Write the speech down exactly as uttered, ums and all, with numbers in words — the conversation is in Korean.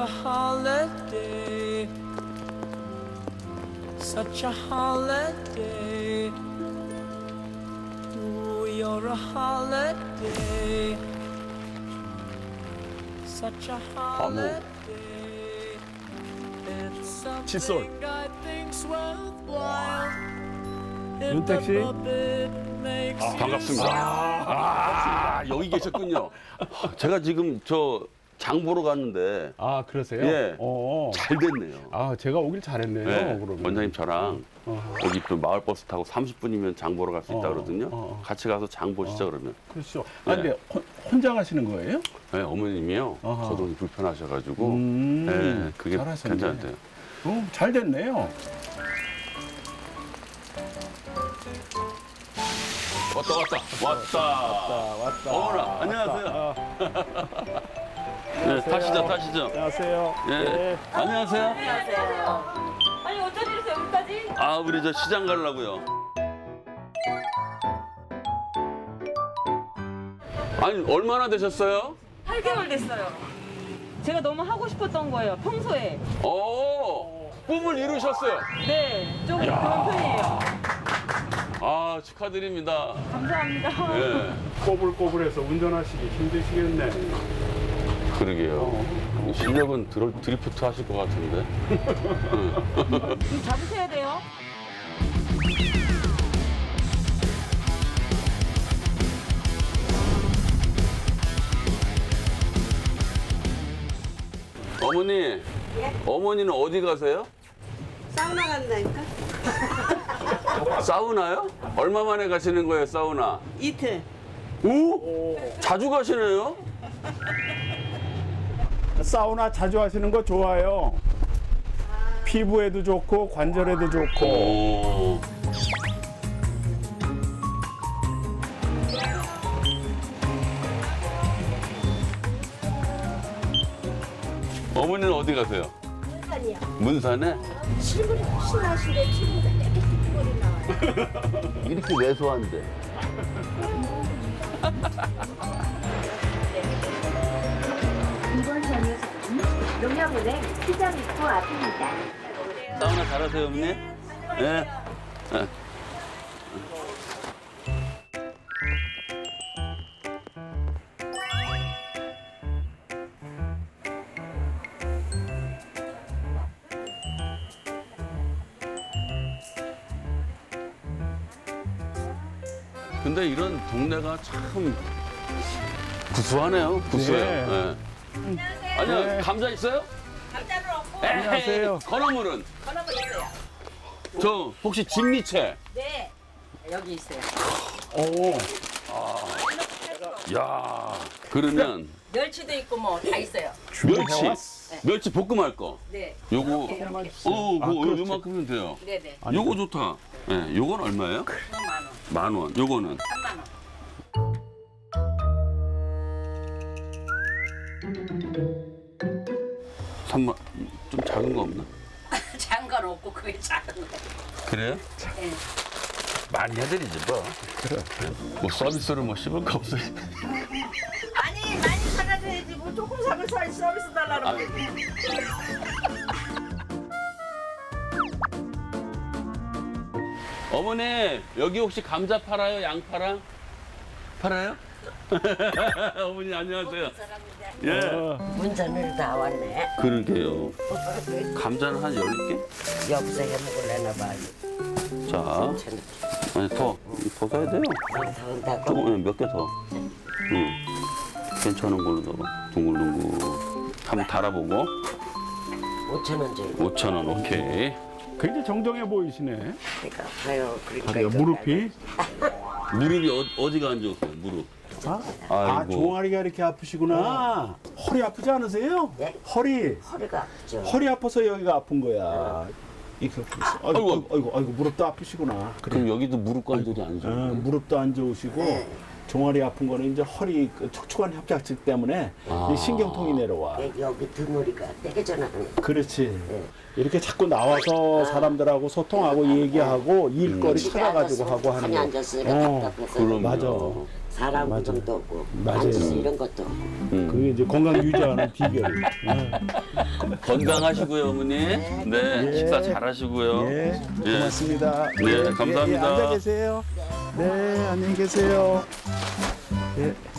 a holiday, such a holiday. Ooh, you're a holiday, such a holiday. It's 칫솔. something I think's worthwhile. If 윤택 씨? the puppet makes you 반갑습니다. 아, 여기 계셨군요. 제가 지금 저 장 보러 갔는데 아, 그러세요? 예. 어. 잘 됐네요. 아, 제가 오길 잘했네요. 네, 그러면. 원장님 저랑 어허. 여기 또 마을버스 타고 삼십 분이면 장 보러 갈 수 있다 어, 그러거든요. 어, 어. 같이 가서 장 보시죠 그러면. 그렇죠. 아, 네. 근데 혼- 혼자 가시는 거예요? 네, 어머님이요. 어허. 거동이 불편하셔가지고 음, 네, 그게 잘하셨네. 괜찮대요. 어, 잘 됐네요. 왔다 왔다 왔다. 왔다. 어머나 안녕하세요. 네, 타시죠 타시죠. 안녕하세요. 예. 안녕하세요. 안녕하세요. 아니 어쩐 일이세요 여기까지? 아 우리 저 시장 가려고요. 아니 얼마나 되셨어요? 팔 개월 됐어요. 제가 너무 하고 싶었던 거예요. 평소에. 오 꿈을 이루셨어요. 네, 좀 그런 편이에요. 아 축하드립니다. 감사합니다. 예. 꼬불꼬불해서 운전하시기 힘드시겠네. 그러게요. 실력은 드로, 드리프트 하실 것 같은데. 좀 잡으셔야 돼요. 어머니, 어머니는 어디 가세요? 사우나 간다니까? 사우나요? 얼마 만에 가시는 거예요, 사우나? 이틀. 오? 자주 가시네요? 사우나 자주 하시는 거 좋아요. 피부에도 좋고 관절에도 좋고. 오. 어머니는 어디 가세요? 아니야. 문산에? 실물이 훨씬 나신데 피부가 이렇게 핏물이 나와요. 이렇게 왜소한데. 이번 전유소는 농협은행 시장 입구 앞입니다. 사우나 잘하세요, 어머니? 네. 네. 근데 이런 동네가 참 구수하네요. 구수해요. 네. 네. 아니요, 네. 감자 있어요? 감자는 없고 안녕하세요. 건어물은? 건어물 있어요. 저 혹시 진미채? 네. 여기 있어요. 오. 야, 그러면 멸치도 있고 뭐 다 있어요. 멸치, 멸치 볶음할 거. 네. 요거, 어, 아, 그거 그렇지. 요만큼이면 돼요. 네네. 요거 좋다. 예, 네, 요건 얼마예요? 만 원. 만 원. 요거는 삼만 원. 삼만. 좀 작은 거 없나? 작은 건 없고 그게 작은 거. 그래요? 네. 많이 해드리지 뭐. 그래. 뭐 서비스로 뭐 씹을 거 없어요. 아니 많이 사가줘야지 뭐 조금 사면 사 서비스 달라는 아. 거지. 어머니 여기 혹시 감자 팔아요? 양 팔아? 팔아요? 어머니 안녕하세요. 예. 어, 운전을 다 왔네. 그러게요. 감자는 한 열 개? 여기서 해 먹을래나 봐. 자, 아니 더, 더 사야 돼요. 더 온다고? 조금 몇 개 더. 응. 괜찮은 걸로 넣어. 둥글둥글. 한번 달아보고. 오천 원 줘요. 오천 원 오케이. 굉장히 정정해 보이시네. 그러니까 봐요. 그러니까 다리가 이거 무릎이. 무릎이 어, 어디가 안 좋으세요? 무릎. 아, 아 아이고. 종아리가 이렇게 아프시구나. 허리 아프지 않으세요? 네. 허리. 허리가 아프죠. 허리 아파서 여기가 아픈 거야. 이렇게 아이고, 아이고, 아이고, 아이고, 무릎도 아프시구나. 그래. 그럼 여기도 무릎 관절이 안 어, 좋아요? 무릎도 안 좋으시고 종아리 아픈 거는 이제 허리 그 척추관 협착증 때문에 아. 이 신경통이 내려와. 여기 등허리가 떼겨져나는 거. 그렇지. 이렇게 자꾸 나와서 사람들하고 소통하고 얘기하고 일거리 집에 찾아가지고 앉아서 하고 하는 가만히 거. 앉았으니까 어, 답답해서 그럼요. 맞아. 사람 맞아. 구경도 없고 맞아요. 앉아서 이런 것도 없고. 그게 이제 건강 유지하는 비결이. 건강하시고요, 어머니. 네, 예. 식사 잘하시고요. 예, 예. 고맙습니다. 네, 예, 예, 감사합니다. 예, 앉아 계세요. 네, 안녕히 계세요. 예.